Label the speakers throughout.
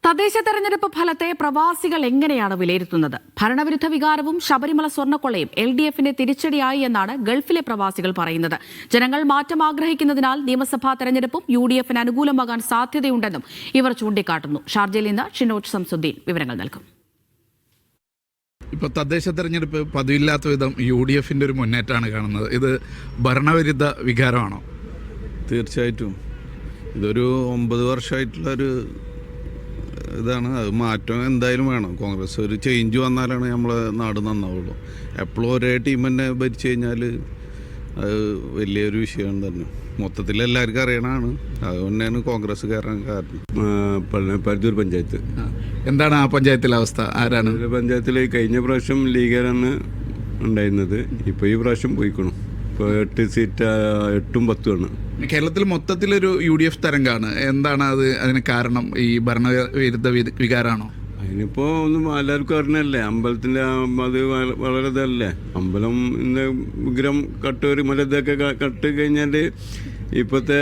Speaker 1: തദ്ദേശ തെരഞ്ഞെടുപ്പ് ഫലത്തെ പ്രവാസികൾ എങ്ങനെയാണ് വിലയിരുത്തുന്നത്? ഭരണവിരുദ്ധ വികാരവും ശബരിമല സ്വർണ്ണക്കൊള്ളയും LDFന്റെ തിരിച്ചടിയായി എന്നാണ് ഗൾഫിലെ പ്രവാസികൾ പറയുന്നത്. ജനങ്ങൾ മാറ്റം ആഗ്രഹിക്കുന്നതിനാൽ നിയമസഭാ തെരഞ്ഞെടുപ്പും UDFന് അനുകൂലമാകാൻ സാധ്യതയുണ്ടെന്നും ഇവർ ചൂണ്ടിക്കാട്ടുന്നു. ഷാർജയിൽ നിന്ന് ഷിനോജ് സംസുദ്ദീൻ വിവരങ്ങൾ നൽകും.
Speaker 2: ഇപ്പോൾ തദ്ദേശ തെരഞ്ഞെടുപ്പ് പതിവില്ലാത്ത വിധം UDFന്റെ ഒരു മുന്നേറ്റമാണ് കാണുന്നത്. ഇത് ഭരണവിരുദ്ധ വികാരമാണോ?
Speaker 3: തീർച്ചയായിട്ടും ഇതൊരു 9 വർഷമായിട്ടുള്ളൊരു ഇതാണ്. അത് മാറ്റം എന്തായാലും വേണം. കോൺഗ്രസ് ഒരു ചേഞ്ച് വന്നാലാണ് നമ്മളെ നാട് നന്നാവുള്ളൂ. എപ്പോഴും ഒരേ ടീം തന്നെ ഭരിച്ചു കഴിഞ്ഞാൽ അത് വലിയൊരു വിഷയം തന്നെ. മൊത്തത്തിൽ എല്ലാവർക്കും അറിയണതാണ്. അതുകൊണ്ടാണ് കോൺഗ്രസ് കയറാൻ കാരണം.
Speaker 4: പരുത്തൂർ പഞ്ചായത്ത്
Speaker 2: എന്താണ് ആ പഞ്ചായത്തിലെ അവസ്ഥ? ആരാണ്
Speaker 4: പഞ്ചായത്തിൽ? കഴിഞ്ഞ പ്രാവശ്യം ലീഗാരാണ് ഉണ്ടായിരുന്നത്. ഇപ്പോൾ ഈ പ്രാവശ്യം പോയിക്കണം. ഇപ്പോൾ 8 സീറ്റ് 8ഉം 10ഉം ആണ്.
Speaker 2: കേരളത്തിൽ മൊത്തത്തിലൊരു UDF തരംഗമാണ്. എന്താണ് അതിന് കാരണം? ഈ ഭരണവിരുദ്ധ വികാരമാണോ?
Speaker 4: അതിനിപ്പോൾ ഒന്നും എല്ലാവർക്കും അറിഞ്ഞല്ലേ. അമ്പലത്തിൻ്റെ അത് വളരെ ഇതല്ലേ. അമ്പലം വിഗ്രഹം കട്ടൊരു മലതൊക്കെ കട്ട് കഴിഞ്ഞാൽ ഇപ്പോഴത്തെ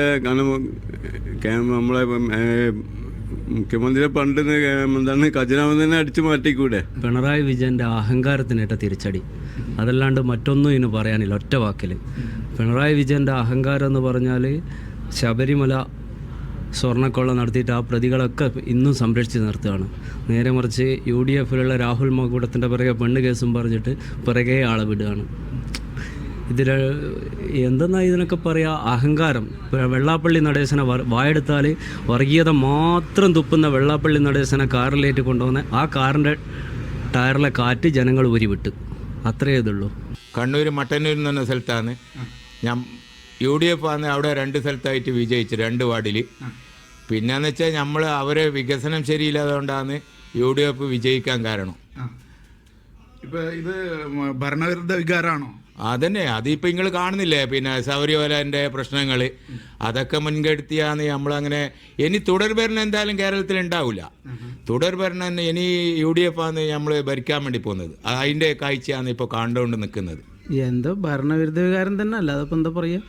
Speaker 4: കാരണം നമ്മളെ മുഖ്യമന്ത്രിയെ പണ്ട് എന്താണ് ഖജനാവ് തന്നെ അടിച്ചു മാറ്റിക്കൂടെ?
Speaker 5: പിണറായി വിജയൻ്റെ അഹങ്കാരത്തിനേറ്റ തിരിച്ചടി, അതല്ലാണ്ട് മറ്റൊന്നും ഇതിന് പറയാനില്ല. ഒറ്റ വാക്കിൽ പിണറായി വിജയൻ്റെ അഹങ്കാരം എന്ന് പറഞ്ഞാൽ ശബരിമല സ്വർണ്ണക്കൊള്ള നടത്തിയിട്ട് ആ പ്രതികളൊക്കെ ഇന്നും സംരക്ഷിച്ച് നിർത്തുകയാണ്. നേരെ മറിച്ച് UDFിലുള്ള രാഹുൽ മാങ്കൂട്ടത്തിൻ്റെ പിറകെ പെണ്ണ് കേസും പറഞ്ഞിട്ട് പിറകെ ആളെ വിടുകയാണ്. ഇതിൽ എന്തെന്നാ ഇതിനൊക്കെ പറയുക? അഹങ്കാരം. വെള്ളാപ്പള്ളി നടേശനെ വായെടുത്താൽ വർഗീയത മാത്രം തുപ്പുന്ന വെള്ളാപ്പള്ളി നടേശനെ കാറിലേറ്റ് കൊണ്ടുവന്ന് ആ കാറിൻ്റെ ടയറിലെ കാറ്റ് ജനങ്ങൾ ഉരിവിട്ട്. അത്രയേ ഇതുള്ളൂ.
Speaker 6: കണ്ണൂർ മട്ടന്നൂർ എന്ന് പറഞ്ഞ സ്ഥലത്താണ് ഞാൻ UDF ആണ്. അവിടെ 2 സ്ഥലത്തായിട്ട് വിജയിച്ചു, 2 വാർഡിൽ. പിന്നെന്ന് വെച്ചാൽ നമ്മൾ അവരെ വികസനം ശരിയില്ലാതുകൊണ്ടാണ് UDF വിജയിക്കാൻ കാരണം.
Speaker 2: ഇപ്പം ഇത് ഭരണവിരുദ്ധ വികാരമാണോ?
Speaker 6: അതന്നെ. അതിപ്പോൾ നിങ്ങൾ കാണുന്നില്ലേ, പിന്നെ ശബരിമലേൻ്റെ പ്രശ്നങ്ങൾ അതൊക്കെ മുൻകെടുത്തിയാണ് നമ്മളങ്ങനെ. ഇനി തുടർഭരണം എന്തായാലും കേരളത്തിൽ ഉണ്ടാവില്ല. തുടർഭരണം ഇനി UDF ആണ് നമ്മൾ ഭരിക്കാൻ വേണ്ടി പോകുന്നത്. അതിൻ്റെ കാഴ്ചയാണ് ഇപ്പോൾ കണ്ടുകൊണ്ട് നിൽക്കുന്നത്.
Speaker 7: എന്തോ ഭരണവിരുദ്ധ വികാരം തന്നെ, അല്ലാതെ ഇപ്പം എന്താ പറയുക?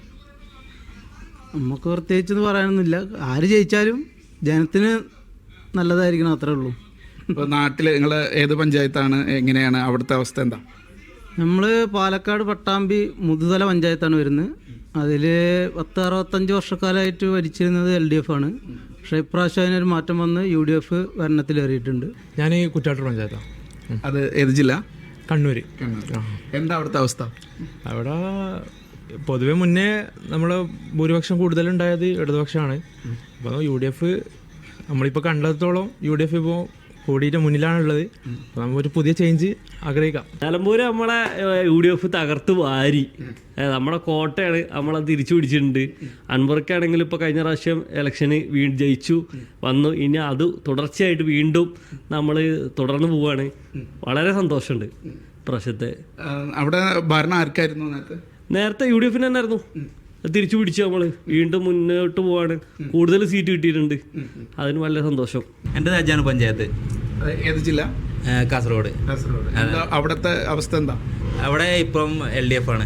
Speaker 7: നമുക്ക് പ്രത്യേകിച്ചെന്ന് പറയാനൊന്നുമില്ല. ആര് ജയിച്ചാലും ജനത്തിന് നല്ലതായിരിക്കണം, അത്രേ ഉള്ളൂ.
Speaker 2: ഇപ്പോൾ നാട്ടിൽ നിങ്ങൾ ഏത് പഞ്ചായത്താണ്? എങ്ങനെയാണ് അവിടുത്തെ അവസ്ഥ? എന്താ?
Speaker 7: നമ്മൾ പാലക്കാട് പട്ടാമ്പി മുതുതല പഞ്ചായത്താണ് വരുന്നത്. അതിൽ 10-65 വർഷക്കാലമായിട്ട് ഭരിച്ചിരുന്നത് LDF ആണ്. പക്ഷേ ഇപ്രാവശ്യം അതിനൊരു മാറ്റം വന്ന് UDF ഭരണത്തിലേറിയിട്ടുണ്ട്.
Speaker 8: ഞാൻ ഈ കുറ്റാട്ടൂർ പഞ്ചായത്താണ്.
Speaker 2: അത് ഏത് ജില്ല?
Speaker 8: കണ്ണൂർ.
Speaker 2: എന്താ അവിടുത്തെ അവസ്ഥ?
Speaker 8: അവിടെ പൊതുവെ മുന്നേ നമ്മൾ ഭൂരിപക്ഷം കൂടുതലുണ്ടായത് ഇടതുപക്ഷമാണ്. അപ്പോൾ UDF നമ്മളിപ്പോൾ കണ്ടെത്തോളം UDF ഇപ്പോൾ കൂടിയിട്ട് മുന്നിലാണുള്ളത്. അപ്പോൾ നമുക്കൊരു പുതിയ ചേഞ്ച് ആഗ്രഹിക്കാം.
Speaker 5: നിലമ്പൂർ നമ്മളെ UDF തകർത്ത് വാരി. നമ്മുടെ കോട്ടയാണ്, നമ്മളത് തിരിച്ചു പിടിച്ചിട്ടുണ്ട്. അൻവർക്കാണെങ്കിൽ ഇപ്പോൾ കഴിഞ്ഞ പ്രാവശ്യം ഇലക്ഷന് ജയിച്ചു വന്നു. ഇനി അത് തുടർച്ചയായിട്ട് വീണ്ടും നമ്മൾ തുടർന്ന് പോവുകയാണ്. വളരെ സന്തോഷമുണ്ട് പ്രാവശ്യത്തെ.
Speaker 2: അവിടെ ഭരണം ആർക്കായിരുന്നു
Speaker 5: നേരത്തെ UDFന് തന്നെ ആയിരുന്നു. തിരിച്ചു പിടിച്ച് നമ്മൾ വീണ്ടും മുന്നോട്ട് പോവാണ്. കൂടുതൽ സീറ്റ് കിട്ടിയിട്ടുണ്ട്. അതിന് വളരെ സന്തോഷം.
Speaker 9: എൻ്റെ രാജ്യമാണ് പഞ്ചായത്ത്.
Speaker 2: ഏത് ജില്ല?
Speaker 9: കാസർഗോഡ്.
Speaker 2: അവിടുത്തെ അവസ്ഥ എന്താ?
Speaker 9: അവിടെ ഇപ്പം LDF ആണ്.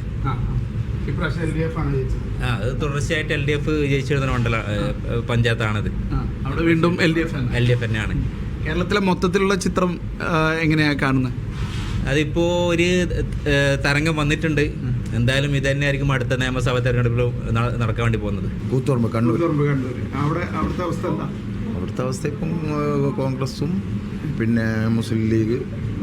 Speaker 9: അത് തുടർച്ചയായിട്ട് LDF ജയിച്ചിരുന്ന മണ്ഡല പഞ്ചായത്താണത്.
Speaker 2: അവിടെ വീണ്ടും LDF
Speaker 9: തന്നെയാണ്.
Speaker 2: കേരളത്തിലെ മൊത്തത്തിലുള്ള ചിത്രം എങ്ങനെയാണ് കാണുന്നത്?
Speaker 9: അതിപ്പോൾ ഒരു തരംഗം വന്നിട്ടുണ്ട്. എന്തായാലും ഇത് തന്നെയായിരിക്കും അടുത്ത നിയമസഭാ തെരഞ്ഞെടുപ്പിൽ നടക്കാൻ വേണ്ടി പോകുന്നത്.
Speaker 10: കൂത്തുപറമ്പ്, കണ്ണൂർ.
Speaker 2: അവിടുത്തെ
Speaker 10: അവസ്ഥ ഇപ്പം കോൺഗ്രസും പിന്നെ മുസ്ലിം ലീഗ്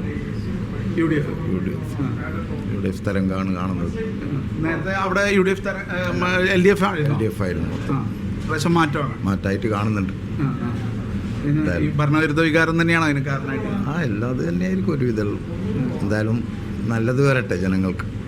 Speaker 10: UDF തരംഗമാണ് കാണുന്നത്.
Speaker 2: നേരത്തെ അവിടെ LDF
Speaker 10: ആയിരുന്നു.
Speaker 2: മാറ്റമായിട്ട്
Speaker 10: കാണുന്നുണ്ട്.
Speaker 2: ഭരണവിരുദ്ധ വികാരം തന്നെയാണ് അതിന് കാരണമായിട്ട്.
Speaker 10: എല്ലാം അത് തന്നെയായിരിക്കും ഒരുവിധം. എന്തായാലും നല്ലത് വരട്ടെ ജനങ്ങൾക്ക്.